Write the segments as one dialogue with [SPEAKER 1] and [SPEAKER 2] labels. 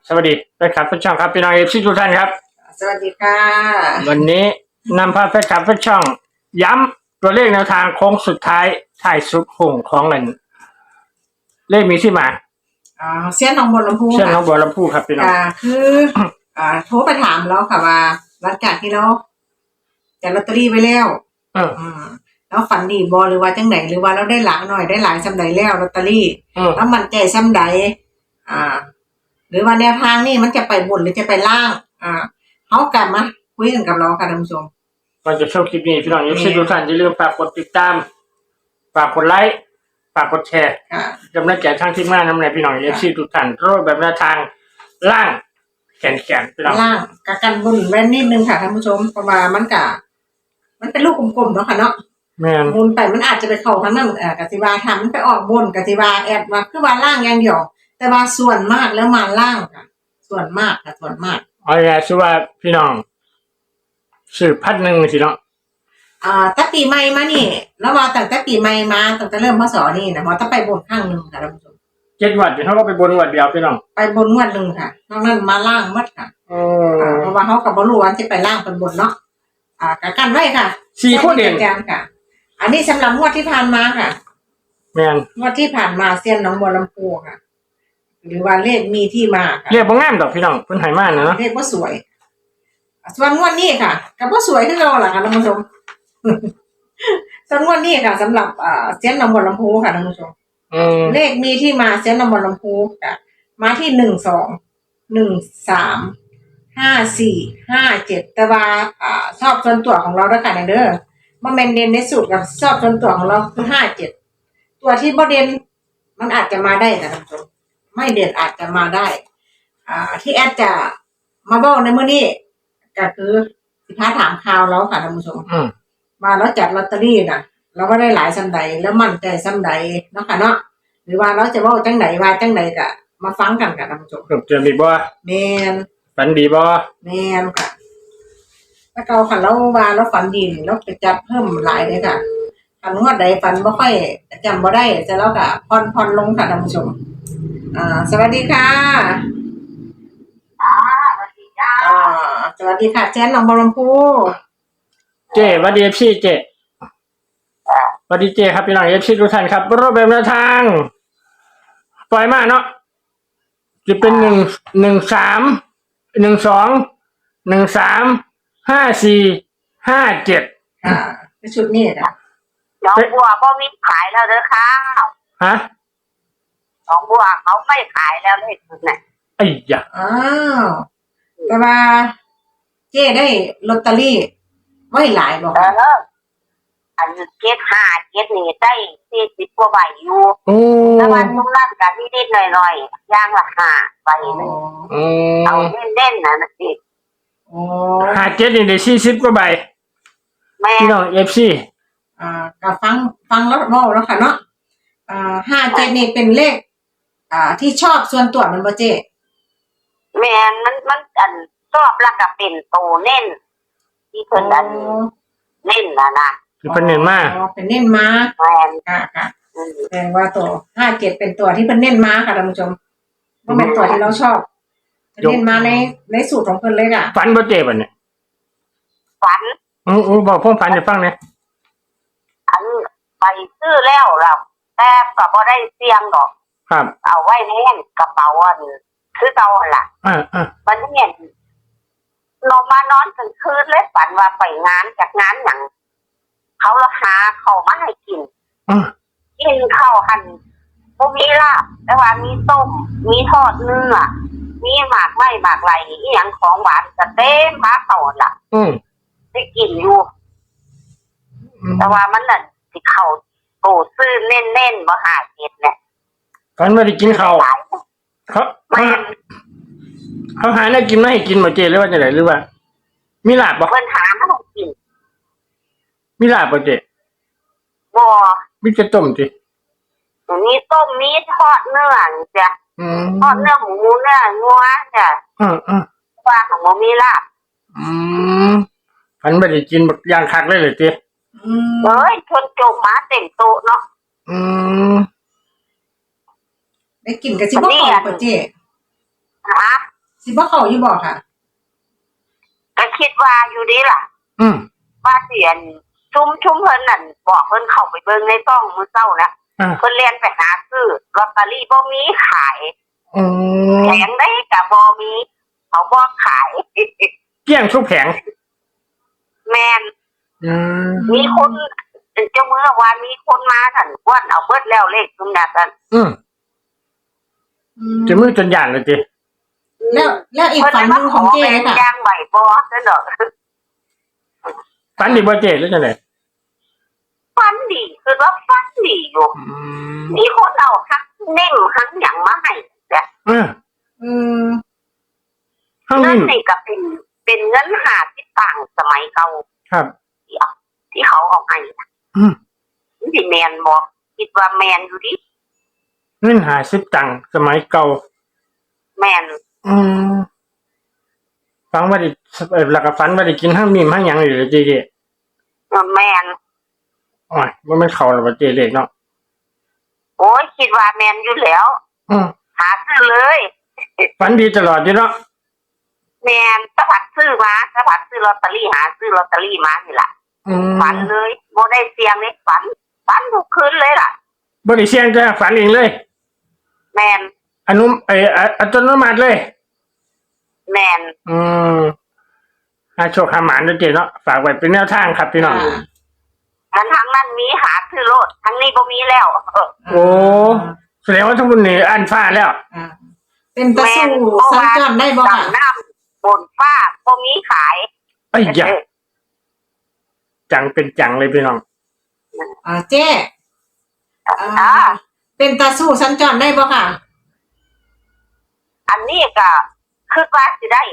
[SPEAKER 1] สวัสดีแฟนคลับแฟนช่องครับพี่น้องเอฟซีทุกท่านครับ
[SPEAKER 2] สวัสดีค่ะ
[SPEAKER 1] วันนี้นำพาแฟนคลับแฟนช่องย้ำตัวเลขแนวทางโค้งสุดท้ายท้ายสุดโค้งของเงินเลขมีที่มา
[SPEAKER 2] เสี้ยนน้องบัวลำพู
[SPEAKER 1] เช่นน้องบัวลำพูครับพี่น้อง
[SPEAKER 2] คือโทรไปถามแล้วค่ะว่าหลังจากที่เราจัดลอตเตอรี่ไปแล้วแล้วฝันดีบอหรือว่าจังไหนหรือว่าเราได้หลังหน่อยได้หลายซ้ำใดแล้วลอตเตอรี่แล้วมันใจซ้ำใดหรือว่าแนวทางนี่มันจะไปบนหรือจะไปล่างเขากลับมาคุยกันกับเราค่ะท่านผู้ชม
[SPEAKER 1] ก่อนจะชมคลิปนี้พี่น้องเอฟซีทุกท่านอย่าลืมฝากกดติดตามฝากกดไลค์ฝากกดแชร์กำลังใจทางทีมงานน้ำในพี่น้องเอฟซีทุกท่านรูปแบบแนวทางล่างแขนพี่น้อง
[SPEAKER 2] ล่างกับกันบนแว่นนิดนึงค่ะท่านผู้ชมเพราะว่ามันเป็นลูกกลมๆเนาะค่ะเนาะบนไปมันอาจจะไปเข้าทางนั้นกติวาทำมันไปออกบนกติวาแอบมาคือว่าล่างอย่างเดียวแต่ว่าส่วนมากแล้วมาล่างค่ะส่วนมาก
[SPEAKER 1] เอาไงชื่อว่าพี่น้องสืบพัดหนึ่งสิเนาะ
[SPEAKER 2] แต่ปีใหม่มานี่แล้วว่าตั้งแต่ปีใหม่มาตั้งแต่เริ่มพศนี่นะว่าต้องไปบนข้างหนึ่งค่ะท่านผู้ชม
[SPEAKER 1] 7 วันเขาก็ไปบนวันเดียวพี่น้อง
[SPEAKER 2] ไปบนวันหนึ่งค่ะนอกนั้นมาล่างมัดค่ะเพราะว่าเขากับบรูวันที่ไปล่างเป็นบนเนาะกันไว้ค่ะ
[SPEAKER 1] 4 ข้อเด่น
[SPEAKER 2] ค่ะอันนี้สำหรับงวดที่ผ่านมาค่ะ
[SPEAKER 1] แม่น
[SPEAKER 2] งวดที่ผ่านมาเซียนน้องบัวลำพูค่ะหรือว่าเลขมีที่มาค่ะ
[SPEAKER 1] เลขบ่งามดอกพี่น้องเพิ่นให้มาเนาะ
[SPEAKER 2] เลขบ่สวยส่วนงวดนี้ค่ะก็บ่สวยคือเราล่ะค่ะท่านผู้ชมส่วนงวดนี้ค่ะสำหรับเซียนน้องบัวลำพูค่ะท่านผู้ชมเลขมีที่มาเซียนน้องบัวลำพูค่ะมาที่12 13 54 57แต่ว่าชอบส่วนตัวของเราด้วยค่ะเด้อบ่แม่นเด่นในสูตรกับชอบส่วนตัวของเราคือ57ตัวที่บ่เด่นมันอาจจะมาได้ค่ะท่านผู้ชมไม่เด่นอาจจะมาได้ที่แอดจะมาบอกในมื้อนี้ก็คือสิพาถามข่าวแล้วค่ะท่านผู้ชมมาแล้วจัดลอตเตอรี่น่ะเราก็ได้หลายซ้ำใดแล้วมั่นใจซ้ำใดเนาะค่ะเนาะหรือว่าเราจะเว้าจังไดว่าจังไดก็มาฟังกันค่ะท่านผู้ชม
[SPEAKER 1] เจอดีบ่
[SPEAKER 2] แม่น
[SPEAKER 1] ฝันดีบ่
[SPEAKER 2] แม่นค่ะถ้าเก่าคันเราว่าเราฝันดีเราไปจัดเพิ่มหลายเลยค่ะคันงวดใดฝันบ่ค่อยจำบ่ได้จะแล้วก็ผ่อนลงค่ะท่านผู้ชมสวัสดีค่ะสวัสดีค่ะเจนน้องบัวลำพู
[SPEAKER 1] เจ๊วัดดีเอฟซีเจ๊วัดดีเจ๊ครับพี่น้องเอฟซีทุกท่านครับรูปแบบแนวทางปล่อยมาเนาะจะเป็น1 1 3 12 13 54 57
[SPEAKER 2] ชุดนี้ค่ะ
[SPEAKER 3] น้องบัวบ่มีขายแล้วเด้อค่ะ
[SPEAKER 1] ฮะ
[SPEAKER 3] น้องบัวเขาไม่ขายแล้วเลขเนี่ย
[SPEAKER 1] ไอ้ยะ
[SPEAKER 2] แต่ว่าเจ๊ได้ลอตเตอรี่ไว้หลายบอก
[SPEAKER 3] อัน7 5 7นี่ได้40 กว่าใบอยู่แต่ว่าตรงนั้นก็นิดๆหน่อยๆอย่างละ5 ใบนึงเอาเล่นๆนะสิ
[SPEAKER 1] 57นี่ได้40 กว่าใบพี่น้อง FC
[SPEAKER 2] ก็ฟังแล้วเว้าแล้วค่ะเนาะ57นี่เป็นเลขที่ชอบส่วนตัวมันบ่เจ๊
[SPEAKER 3] แม่นมันอันชอบแล้วก็เป็นโตเน้นที่เพิ่นอันเน้นนะ
[SPEAKER 1] คือเพิ่นเน้นมา
[SPEAKER 2] เป็นเน้นมา
[SPEAKER 3] แม่น
[SPEAKER 2] ค่ะแสดงว่าตัว57เป็นตัวที่เพิ่นเน้นมาค่ะท่านผู้ชมบ่แม่นตัวที่เราชอบเน้นมาในสูตรของเพิ่นเลยค่ะ
[SPEAKER 1] ฝันบ่เจ๊บัดนี้
[SPEAKER 3] ฝัน
[SPEAKER 1] บอกผมฝันให้ฟังหน่อย
[SPEAKER 3] อันไปซื้อแล้วล่ะแต่ก็บ่ได้เสี่ยงดอก
[SPEAKER 1] ครับ
[SPEAKER 3] เอาไว้ในกระเป๋าอันคือเก่าหั่นล่ะมันเนี่ยลงมานอนกลางคืนเลยฝันว่าไปงานจากงานหยังเขาละหาเข้ามาให้กินกินข้าวหั่นบ่มีลาบแต่ว่ามีต้มมีทอดเนื้อมีหมากไม้หมากไหลอีหยังของหวานก็เต็มมาเข้าล่ะได้กินอยู่แต่ว่ามันน่ะสิเข้าโตซื้อเน้นๆบ่57เนี่ย
[SPEAKER 1] ฝันว่าได้กินข้าวเขาหาได้กินมาให้กินบ่เจ๊หรือว่าจังได๋หรือว่ามีลาบบ่
[SPEAKER 3] เพิ่นหามาให้กิน
[SPEAKER 1] มีลาบบ่เจ๊
[SPEAKER 3] บ่
[SPEAKER 1] มีแต่ต้มติ
[SPEAKER 3] มีต้มมีทอดเนื้อจ้ะทอดเนื้อหมูเนื้องัวจ้ะว่าของบ่มีลาบ
[SPEAKER 1] ฝันว่าได้กินบักอย่างคักเลยเจ๊
[SPEAKER 3] เอ้ยชนโจมมาเต็มโต๊ะเนาะ
[SPEAKER 2] ได้กินกับสิบ่พอป่ะเจ๊สิบ่เข้าอยู่บ่ค่ะ
[SPEAKER 3] ก็คิดว่าอยู่ดีล่ะ
[SPEAKER 1] อืม
[SPEAKER 3] ว่าเสียนชุ่มเพิ่นนั่นบอกเพิ่นเข้าไปเบิ่งในต้องมื้อเช้านะเพิ่นเรียนไปหาซื้อลอตเตอรี่บ่มีขาย
[SPEAKER 1] อืม
[SPEAKER 3] แผงได้ก็บ่มีเขาบ่ขาย
[SPEAKER 1] เกลี้ยงทุกแผง
[SPEAKER 3] แม่น
[SPEAKER 1] อืม
[SPEAKER 3] มีคนเจ้ามือว่ามีคนมาสั่นว่านเอาเบิดแล้วเลขซุมนั้นสั่น
[SPEAKER 1] อืมจะมือจนหยานเลยจี
[SPEAKER 2] แล้วอีกฝันหนึงของเจ๊ค่ะ
[SPEAKER 3] ย่างไหวบ่ซั่นดอก
[SPEAKER 1] ฝันดีบ่เจ๊หรือจังได๋
[SPEAKER 3] ฟันดีคือว่าฟันดีอยู่
[SPEAKER 1] อืม
[SPEAKER 3] มีคนเอาฮักเน่งฮักหยังมาให้แต่
[SPEAKER 2] อืม
[SPEAKER 1] ข้าง
[SPEAKER 3] เงิ
[SPEAKER 1] นี้
[SPEAKER 3] นนี่ก็เป็นเงิน50ตังค์สมัยเก่า
[SPEAKER 1] ครับ
[SPEAKER 3] ที่เขาเอาให้
[SPEAKER 1] อืม
[SPEAKER 3] สิแม่นบ่คิดว่าแม่นอยู่ดิ
[SPEAKER 1] เงิน50 ตังค์สมัยเก่า
[SPEAKER 3] แม่น
[SPEAKER 1] อืมฟังว่าได้แล้วก็ฝันว่าได้กินห้างมีมห้างหยังอยู่เลยเจ๊
[SPEAKER 3] แม่น
[SPEAKER 1] โอ้ยบ่แม่นเข้าแล้วบ่เจ๊เลขเนาะ
[SPEAKER 3] โอ้ยคิดว่าแม่นอยู่แล้ว
[SPEAKER 1] อืม
[SPEAKER 3] หาซื้อเลย
[SPEAKER 1] ฝันดีตลอดอยู่เนาะ
[SPEAKER 3] แม่นสะพัดซื้อมาสะพัดซื้อลอตเตอรี่หาซื้อลอตเตอรี่มานี่ล่ะ
[SPEAKER 1] อืม
[SPEAKER 3] ฝันเลยบ่ได้เสียงเลยฝันทุกคืนเลยล่ะ
[SPEAKER 1] บ่ได้เสี่ยงจ้ะฝันเองเลย
[SPEAKER 3] แม่น
[SPEAKER 1] อัตโนมัติเลย
[SPEAKER 3] แม่น
[SPEAKER 1] อืมโชคหาหมานด้วยเจ๊เนาะฝากไว้เป็นแนวทางครับพี่น้อง
[SPEAKER 3] มันทางนั้นมีหาซื้อโลดทางนี้บ่มีแล้ว
[SPEAKER 1] โอ้แสดงว่าทั้งบุญนี่อันฟ้าแล้ว
[SPEAKER 2] เป็นตะสู้สัญจรได้บ่ค่ะ
[SPEAKER 3] ดำน้ำบนฟ้าบ่มีขาย
[SPEAKER 1] ไอ้ยะจังเป็นจังเลยพี่น้อง
[SPEAKER 2] เจ๊เป็นตะสู้สัญจรได้บ่ค่ะ
[SPEAKER 3] อันนี้ก็คือว่าสิได้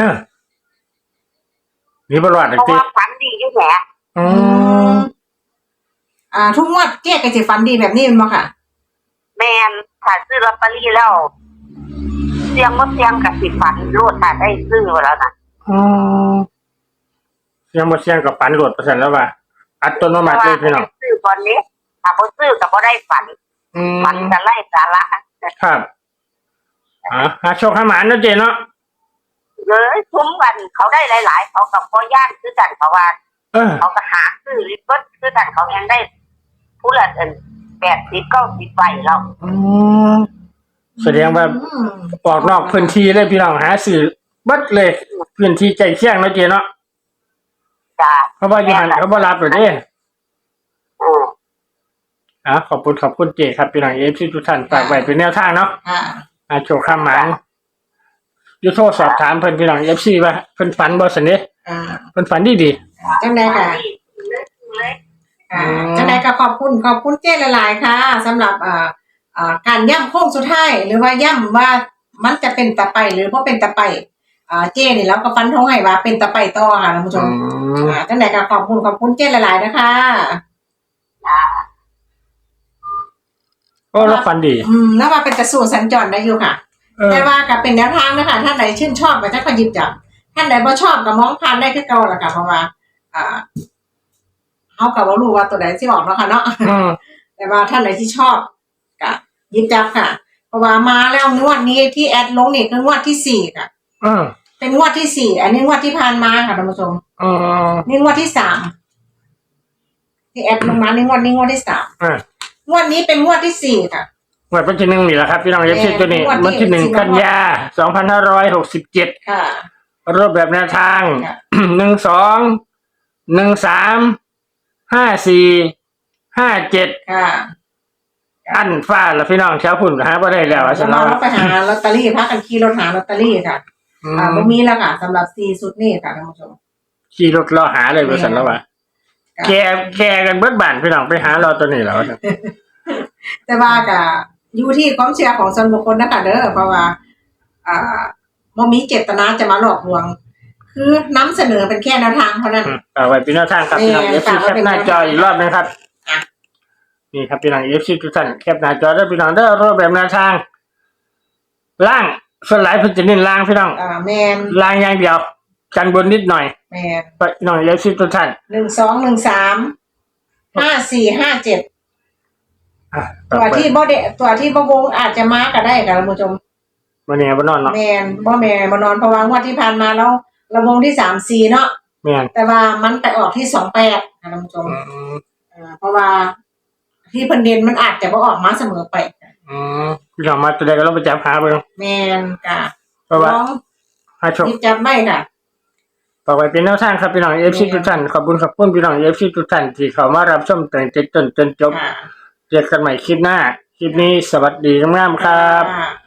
[SPEAKER 1] นี่บ่รอด
[SPEAKER 3] เพราะ
[SPEAKER 1] ติ
[SPEAKER 3] ว่าฝันดีอยู่แหม
[SPEAKER 1] อืม
[SPEAKER 2] ทุกงวดเจ๊ก็สิฝันดีแบบนี้แม่นบ่ค่ะ
[SPEAKER 3] แม่นถ้าซื้อลอตเตอรี่แล้วเสียงบ่เสียงก็สิฝันโลดถ้าได้ซื้อแล้วน่ะ
[SPEAKER 1] อืมเสียงบ่เสียงกับฝันโหลดเปอร์เซ็นต์แล้วว่าอัตโนมัติเลยพี่น้อง
[SPEAKER 3] ซื้อตอนนี้ถ้าบ่ซื้อก็บ่ได้ฝัน
[SPEAKER 1] อืม
[SPEAKER 3] ฝันจะไล่สาระ
[SPEAKER 1] ครับหาโชคหาหมานเนาะเจ๊เนาะ
[SPEAKER 3] เลยคุ้มกันเขาได้หลายๆเขากับพ่อย่านคือกันเพราะว่า เขาก็หาซื้อริบเบิ้ลคือกันเขายังได้ผู้ละ80-90ใบแล้ว
[SPEAKER 1] อืมแสดงว่าออกนอกพื้นที่เลยพี่น้องหาซื้อเบิดเลยพื้นที่ใกล้เคียงเนาะเจ๊เนาะ
[SPEAKER 3] จ้า
[SPEAKER 1] เพราะว่าอยู่หันเขาบ่รับเลยเด้ ขอบคุณเจครับพี่น้องFCทุกท่านฝากไว้เป็นแนวทางเนาะโชคข้ามหมานอยู่โทรสอบถามเพิ่นพี่น้อง FC ว่าเพิ่นฝันบ่ซั่นเด้เพิ่นฝันดี
[SPEAKER 2] จังได๋ค่ะจังได๋ก็ขอบคุณเจ๊หลายๆค่ะสำหรับการย่ำโค้งสุดท้ายหรือว่าย่ำว่ามันจะเป็นตะไปหรือบ่เป็นตะไปเจ๊นี่แล้วก็ฟันธงให้ว่าเป็นตะไปต่อค่ะท่านผู้ชมจังได๋ก็ขอบคุณเจ๊หลายๆนะคะ
[SPEAKER 1] ก็รับฝันดี
[SPEAKER 2] แล้วว่าเป็นตะสู่สัญจรได้อยู่ค่ะแต่ว่าก็เป็นแนวทางนะคะท่านใดชื่นชอบก็จะขยิบจับท่านใดบ่ชอบก็มองผ่านได้คือเก่าล่ะค่ะเพราะว่าเฮาก็บ่รู้ว่าตัวใดสิออกเนาะค่ะเนาะแต่ว่าท่านใดที่ชอบก็หยิบจับค่ะเพราะว่ามาแล้วงวดนี้ที่แอดลงนี่คืองวดที่4ค่ะเป็นงวดที่4อันนี้งวดที่ผ่านมาค่ะท่านผู้ชมนี่งวดที่3ที่แอดลงมานี่งวดที่3งวดนี้เป็นงวดที่4ค่ะ
[SPEAKER 1] งวดวันที่1นี่แหละครับพี่น้องอย่าคิดตัวนี้วันที่1กันยา2567
[SPEAKER 2] ค่ะ
[SPEAKER 1] รูปแบบแนวทาง12 13 54 57
[SPEAKER 2] ค่ะ
[SPEAKER 1] อันฟ้าล่ะพี่น้องชาวพุ่นหาบ่ได้แล้วว่าซั่น
[SPEAKER 2] เราไปหาลอตเตอรี่พากันขี่รถหาลอตเตอรี่ค่ะบ่มีแล้วค่ะสำหรับ4ชุดนี้ค่ะท่านผู้ชม
[SPEAKER 1] ขี่รถรอหาเลยว่าซั่นแล้วว่าแกกันเบิดบ้านพี่น้องไปหารอตัวนี้แล้ว
[SPEAKER 2] แต่ว่าก็อยู่ที่ความเชื่อของส่วนบุคคลนะคะเด้อเพราะว่าบ่มีเจตนาจะมาหลอกลวงคือนำเสนอเป็นแค่แนวทางเท่านั้น
[SPEAKER 1] ไว้เป็นแนวทางครับพี่น้อง FC แคปหน้าจออีกรอบนึงครับนี่ครับพี่น้อง FC ทุกท่านแคปหน้าจอได้พี่น้องได้รูปแบบแนวทางล่างส่วนหลายเพิ่นจะเน้นล่างพี่น้อง
[SPEAKER 2] แม่น
[SPEAKER 1] ล่างอย่างเดียวกันบนนิดหน่อย
[SPEAKER 2] แม่น
[SPEAKER 1] พี่น้อง FC ทุกท่าน
[SPEAKER 2] 12 13 54 57ตัวที่บ่วงอาจจะมาก็ได้ค่ะท่านผู้ชม
[SPEAKER 1] บ่แน่บ่นอนเนาะ
[SPEAKER 2] แมนบ่แม่นบ่นอนเพราะว่างวดที่ผ่านมาเราระวงที่3-4เนาะ
[SPEAKER 1] แม่น
[SPEAKER 2] แต่ว่ามันไปออกที่28นะท่านผู้ชมเพราะว่าที่เพิ่นเด่นมันอาจจะบ่ออกมาเสมอไป
[SPEAKER 1] พี่น้องมาตัวใดก็ลองไปจับหาเบิ่ง
[SPEAKER 2] แม่นค่ะ
[SPEAKER 1] เพราะว่า
[SPEAKER 2] ลอง
[SPEAKER 1] หาโชค
[SPEAKER 2] หยิบจับได้ค่ะ
[SPEAKER 1] ต่อไปเป็นแนวทางครับพี่น้อง FC ทุกท่านขอบคุณพี่น้อง FC ทุกท่านที่เข้ามารับชมตั้งแต่ต้นจนจบ
[SPEAKER 2] ค่ะ
[SPEAKER 1] เจอกันใหม่คลิปหน้าคลิปนี้สวัสดีงามๆครับ
[SPEAKER 2] ค่ะ